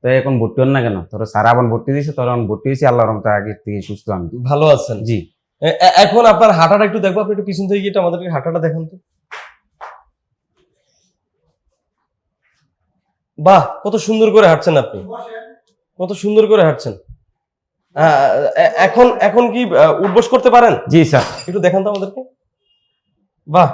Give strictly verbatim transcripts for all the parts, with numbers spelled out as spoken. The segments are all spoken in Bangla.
তো এখন ভর্তি হন না কেন? তোর স্যার আবার ভর্তি দিয়েছে, তোর এখন ভর্তি হয়েছি, আল্লাহর রহমতে আগে থেকে সুস্থ আমি। ভালো আছেন? জি। এ- এ- এখন আপনার হাঁটাটা একটু দেখবো, আপনি একটু পিছন থেকে গিয়ে একটু আমাদেরকে হাঁটাটা দেখান তো। বাহ, কত সুন্দর করে হাঁটছেন আপনি, কত সুন্দর করে হাঁটছেন। আহ, এ- এখন এখন কি আহ, উঠবস করতে পারেন? জি স্যার। একটু দেখান তো আমাদেরকে। বাহ,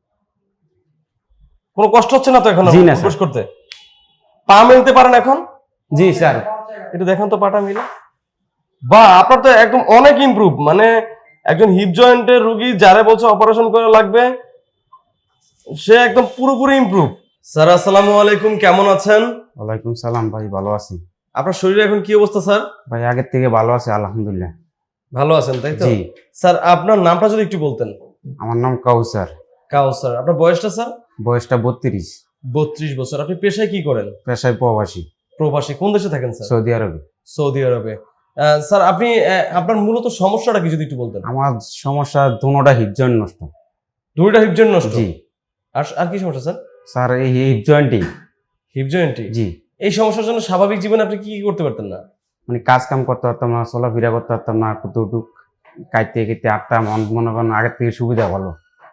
কোনো কষ্ট হচ্ছে না তো এখন জি না, উঠবস স্যার। করতে? পা মেলতে পারেন এখন? জি স্যার। একটু দেখান তো পাটা মিলে। বাহ, আপনার তো একদম অনেক ইমপ্রুভ, মানে একজন হিপ জয়েন্টের রোগী যারা বলছে অপারেশন করা লাগবে, সে একদম পুরোপুরি ইমপ্রুভ। স্যার আসসালামু আলাইকুম, কেমন আছেন? ওয়ালাইকুম সালাম ভাই, ভালো আছি। আপনার শরীরে এখন কি অবস্থা স্যার? ভাই আগের থেকে ভালো আছে আলহামদুলিল্লাহ। ভালো আছেন তাই তো? জি। স্যার আপনার নামটা যদি একটু বলতেন। আমার নাম কাউসার। কাউসার। আপনার বয়সটা স্যার? বয়সটা বত্রিশ। বত্রিশ বছর। আপনি পেশায় কি করেন? পেশায় প্রবাসী। প্রবাসী। কোন দেশে থাকেন স্যার? সৌদি আরবে। সৌদি আরবে। আহ, স্যার আপনি আহ, আপনার মূলত সমস্যাটা কি যদি একটু বলতেন। আমার সমস্যা দুটোটা হিপ জয়েন্ট নষ্ট। দুইটা হিপ জয়েন্ট নষ্ট? জি। আর আর কি সমস্যা স্যার? স্যার এই হিপ জয়েন্টই। হিপ জয়েন্টই? জি। এই সমস্যার জন্য স্বাভাবিক জীবনে আপনি কি কি করতে পারতেন না? মানে কাজ কাম করতে পারতাম না, চলাফেরা করতে পারতাম না, কতটুক কাইতে কেটে আটটা মন মনে করেন আগের থেকে সুবিধা ভালো।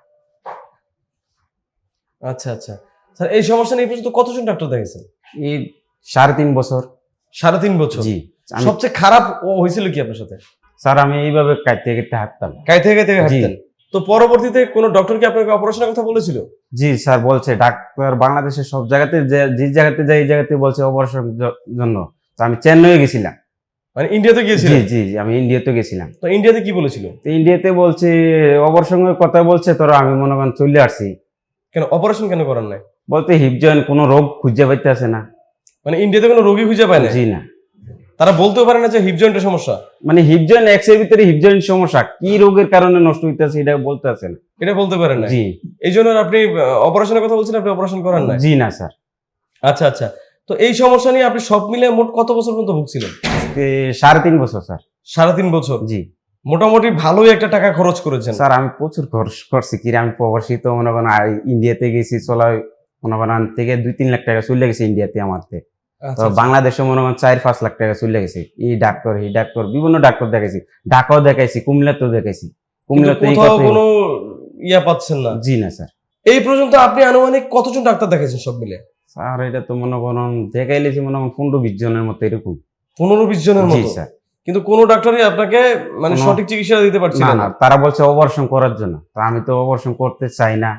আচ্ছা আচ্ছা স্যার, এই সমস্যা নিয়ে এই পর্যন্ত কতজন ডাক্তার দেখেছেন? এই সাড়ে তিন বছর। সাড়ে তিন বছর? জি। আমি সবচেয়ে খারাপ ও হয়েছিল কি আপনার সাথে? স্যার আমি এইভাবে কাইতে কেটে হাঁটতাম। কাইতে কাইতে হাঁটতেন? তো পরবর্তীতে কোনো ডক্টর কি আপনাকে অপারেশনের কথা বলেছিল? জি স্যার, বলছে ডাক্তার বাংলাদেশের সব জায়গাতে, যে যে জায়গাতে যাই এই জায়গাতে বলছে অপারেশন জন্য। তো আমি চেন্নাইয়ে গেছিলাম। মানে ইন্ডিয়াতে জি গিয়েছিলেন? জি জি, আমি ইন্ডিয়াতে গেছিলাম। তো ইন্ডিয়াতে কি বলেছিল? তো ইন্ডিয়াতে বলছে অপারেশনের কথা বলছে, তোরা আমি মনে করেন চলে আসছি। কেন অপারেশন কেন করার নাই? বলতে হিপ জয়েন্ট কোনো রোগ খুঁজে পাইতে আসে না। মানে ইন্ডিয়াতে কোনো রোগী খুঁজে পায় না? জি না। তারা বলতেও পারে না যে হিপ জয়েন্টের সমস্যা? মানে হিপ জয়েন্ট এক্সের ভিতরে হিপ জয়েন্ট সমস্যা কি রোগের কারণে নষ্ট হইতেছে এটা বলতে আসে না। এটা বলতে পারেন না? জি। এই জন্য আপনি অপারেশনের কথা বলছেন, আপনি অপারেশন করার নাই? জি না স্যার। আচ্ছা আচ্ছা, তো এই সমস্যা নিয়ে আপনি সব মিলে মোট কত বছর পর্যন্ত ভুগছিলেন? আজকে সাড়ে তিন বছর স্যার। সাড়ে তিন বছর? জি। মোটামুটি ভালোই একটা টাকা খরচ করেছেন। স্যার আমি প্রচুর খরচ করছি, কি আমি প্রবাসী তো মনে করেন আই- ইন্ডিয়াতে গেছি, চলা মনে করেন থেকে দুই তিন লাখ টাকা চলে গেছে ইন্ডিয়াতে আমার থেকে। আচ্ছা, তো আচ্ছা। বাংলাদেশে মনে করেন চার পাঁচ লাখ টাকা চলে গেছে। এই ডাক্তার এই ডাক্তার বিভিন্ন ডাক্তার দেখাইছি, ঢাকাও দেখাইছি, কুমিল্লাতেও দেখাইছি। কিন্তু কুমিল্লাতে এই কোথাও কথাই- কোনো ইয়া পাচ্ছেন না? জি না স্যার। এই পর্যন্ত আপনি আনুমানিক কতজন ডাক্তার দেখেছেন সব মিলে? স্যার এটা তো মনে করেন দেখাইলেছি মনে করেন পনেরো বিশ জনের মতো এরকম। পনেরো বিশ জনের জি মতো? স্যার। কিন্তু কোনো ডাক্তারই আপনাকে মানে কোনো- সঠিক চিকিৎসা দিতে পারছিল না না? না, তারা বলছে অপারেশন করার জন্য, তো আমি তো অপারেশন করতে চাই না।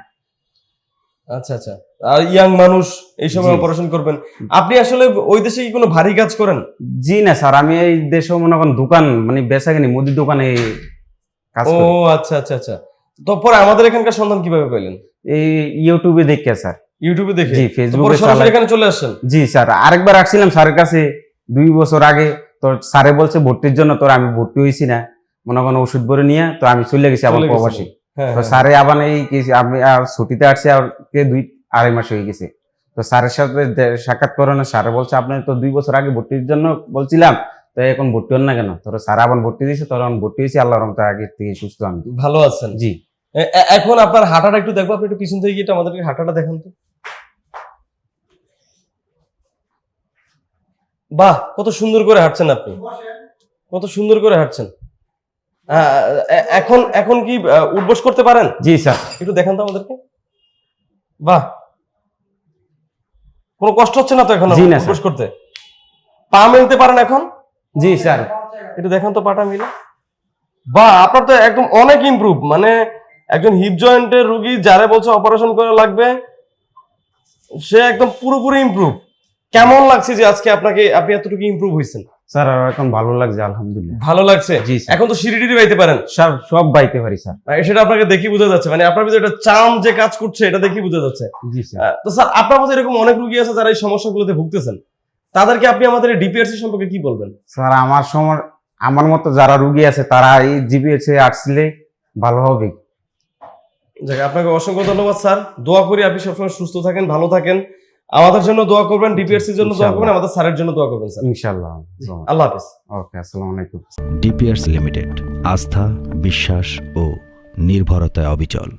আচ্ছা আচ্ছা। আর ইয়াং মানুষ এই সময় জি। অপারেশন করবেন? আপনি আসলে ওই দেশে কি কোনো ভারী কাজ করেন? জি না স্যার, আমি এই দেশে মনে করেন দোকান মানে বেচাকেনি মুদির দোকানে কাজ ও করি। আচ্ছা আচ্ছা আচ্ছা। তো পরে আমাদের এখানকার সন্ধান কিভাবে পেলেন? এই ইউটিউবে দেখে স্যার। ইউটিউবে দেখে? জি, তো ফেসবুকে পরে সরাসরি চালাই। এখানে চলে আসছেন? জি স্যার, আরেকবার আসছিলাম স্যারের কাছে দুই বছর আগে। তো স্যারে বলছে ভর্তির জন্য, তোর আমি ভর্তি হয়েছি না মনে করেন ওষুধ ভরে নিয়ে, তো আমি চলে গেছি আবার চলে গেছিলেন? প্রবাসী। হ্যাঁ তো হ্যাঁ। স্যারে আবার এই কি- আমি আর ছুটিতে আসছি আর কে দুই আড়াই মাস হয়ে গেছে। তো স্যারের সাথে দে- সাক্ষাৎ করানো, স্যারে বলছে আপনি তো দুই বছর আগে ভর্তির জন্য বলছিলাম, তো এখন ভর্তি হন না কেন? তোর স্যার আবার ভর্তি দিয়েছে, তোর এখন ভর্তি হয়েছি, আল্লাহর রহমতে আগে থেকে সুস্থ আমি। ভালো আছেন? জি। এ- এ- এখন আপনার হাঁটাটা একটু দেখবো, আপনি একটু পিছন থেকে গিয়ে একটু আমাদেরকে হাঁটাটা দেখান তো। বাহ, কত সুন্দর করে হাঁটছেন আপনি, কত সুন্দর করে হাঁটছেন। আহ, এ- এখন এখন কি আহ, উঠবস করতে পারেন? জি স্যার। একটু দেখান তো আমাদেরকে। বাহ, কোনো কষ্ট হচ্ছে না তো এখন জি না, উঠবস স্যার। করতে? পা মেলতে পারেন এখন? জি স্যার। একটু দেখান তো পাটা মিলে। বাহ, আপনার তো একদম অনেক ইমপ্রুভ, মানে একজন হিপ জয়েন্টের রোগী যারা বলছে অপারেশন করা লাগবে, সে একদম পুরোপুরি ইমপ্রুভ। কেমন লাগছে যে আজকে আপনাকে আপনি এতটুকু ইমপ্রুভ হয়েছেন? স্যার আর এখন ভালো লাগছে আলহামদুলিল্লাহ। ভালো লাগছে? জি স্যার। এখন তো সিঁড়ি টিড়ি বাইতে পারেন? সব সব বাইতে পারি স্যার। আহ, সেটা আপনাকে দেখি বোঝা যাচ্ছে, মানে আপনার ভিতরে একটা চাম যে কাজ করছে এটা দেখি বোঝা যাচ্ছে। জি স্যার। আহ, তো স্যার আপনার মধ্যে এরকম অনেক রোগী আছে যারা এই সমস্যাগুলোতে ভুগতেছেন, তাদেরকে আপনি আমাদের ডিপিআরসি সম্পর্কে কি বলবেন? স্যার আমার সময় আমার মতো যারা রুগী আছে তারা এই জিবিএসে আসলে ভালো হবে। যাক, আপনাকে অসংখ্য ধন্যবাদ স্যার। দোয়া করি আপনি সবসময় সুস্থ থাকেন, ভালো থাকেন। আমাদের জন্য দোয়া করবেন, ডিপিআরসির জন্য দোয়া করবেন, আমাদের স্যারের জন্য দোয়া করবেন স্যার। ইনশাআল্লাহ। আল্লাহ হাফেজ। ওকে, আসসালামু আলাইকুম। ডিপিআরস লিমিটেড, আস্থা, বিশ্বাস ও নির্ভরতায় অবিচল।